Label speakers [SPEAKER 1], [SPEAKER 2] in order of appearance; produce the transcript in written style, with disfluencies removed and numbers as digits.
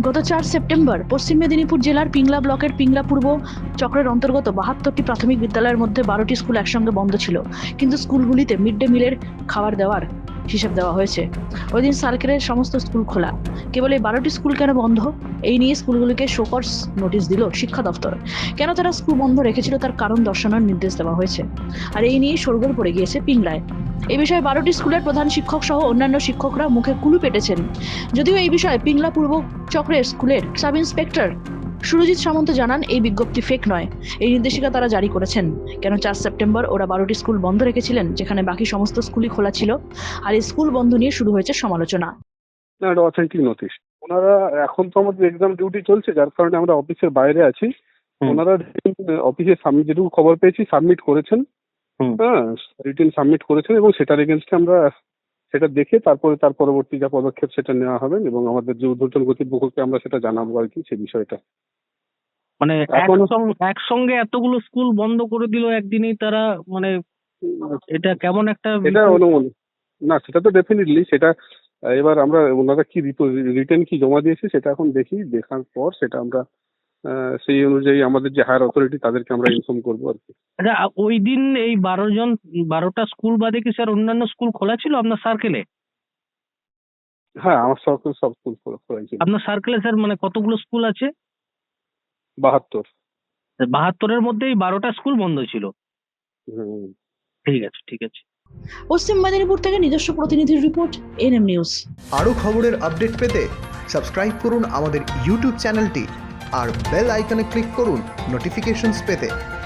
[SPEAKER 1] গত 4 সেপ্টেম্বর পশ্চিম মেদিনীপুর জেলার পিংলা ব্লকের পিংলা পূর্ব চক্রের অন্তর্গত 72টি প্রাথমিক বিদ্যালয়ের মধ্যে 12টি স্কুল একসঙ্গে বন্ধ ছিল, কিন্তু স্কুলগুলিতে মিড ডে মিলের খাবার দেওয়ার হিসাব দেওয়া হয়েছে। ওই দিন সার্কেলের সমস্ত স্কুল খোলা, কেবল এই 12টি স্কুল কেন বন্ধ, এই নিয়ে স্কুলগুলিকে শোকজ নোটিশ দিল শিক্ষা দপ্তর। কেন তারা স্কুল বন্ধ রেখেছিল তার কারণ দর্শানোর নির্দেশ দেওয়া হয়েছে, আর এই নিয়ে শোরগোল পড়ে গিয়েছে পিংলায়। এই বিষয়ে 12টি স্কুলের প্রধান শিক্ষক সহ অন্যান্য শিক্ষকরা মুখে কুলু পেটেছেন। যদিও এই বিষয়ে পিংলা পূর্ব চক্রের স্কুলের সাব ইন্সপেক্টর সুরজিৎ সামন্ত জানান, এই বিজ্ঞপ্তি ফেক নয়, এই নির্দেশিকা তারা জারি করেছেন। কেন 4 সেপ্টেম্বর ওরা 12টি স্কুল বন্ধ রেখেছিলেন যেখানে বাকি সমস্ত স্কুলই খোলা ছিল, আর এই স্কুল বন্ধ নিয়ে শুরু হয়েছে সমালোচনা।
[SPEAKER 2] না, এটা অথেন্টিক নোটিশ। ওনারা এখন তো আমাদের এক্সাম ডিউটি চলছে, যার কারণে আমরা অফিসের বাইরে আছি। ওনারা অফিসে যেটুকু খবর পেয়েছি সাবমিট করেছেন, হ্যাঁ, রিটেন সাবমিট করেছেন, এবং সেটার এগেনস্টে আমরা সেটা দেখে তারপরে তার পরবর্তী যা পদক্ষেপ সেটা নেওয়া হবে, এবং আমাদের যে ঊর্ধ্বতন কর্তৃপক্ষকে আমরা সেটা জানাবো আর কি সেই বিষয়টা।
[SPEAKER 3] মানে একসঙ্গে এতগুলো স্কুল বন্ধ করে দিল একদিনেই তারা, মানে এটা কেমন একটা
[SPEAKER 2] এটা অনুমান না, সেটা তো ডেফিনেটলি সেটা এবার আমরা ওনারা কি রিটেন কি জমা দিয়েছে সেটা এখন দেখি, দেখার পর সেটা আমরা সেই অনুযায়ী আমাদের যে হায়ার অথরিটি তাদেরকে আমরা ইনফর্ম করবো আর কি।
[SPEAKER 3] আচ্ছা, ওই দিন এই 12টা স্কুল বাদে কি স্যার অন্যান্য স্কুল খোলা ছিল আপনার সার্কেলে?
[SPEAKER 2] হ্যাঁ, আমার সব স্কুল খোলা ছিল।
[SPEAKER 3] আপনার সার্কেলে স্যার মানে কতগুলো স্কুল আছে?
[SPEAKER 2] 72।
[SPEAKER 3] 72-এর মধ্যে এই 12টা স্কুল বন্ধ ছিল। ঠিক আছে, ঠিক আছে।
[SPEAKER 1] পশ্চিম মেদিনীপুর থেকে নিজস্ব প্রতিনিধির রিপোর্ট, এনএম নিউজ।
[SPEAKER 4] আরও খবরের আপডেট পেতে সাবস্ক্রাইব করুন আমাদের ইউটিউব চ্যানেলটি আর বেল আইকনে ক্লিক করুন নোটিফিকেশনস পেতে।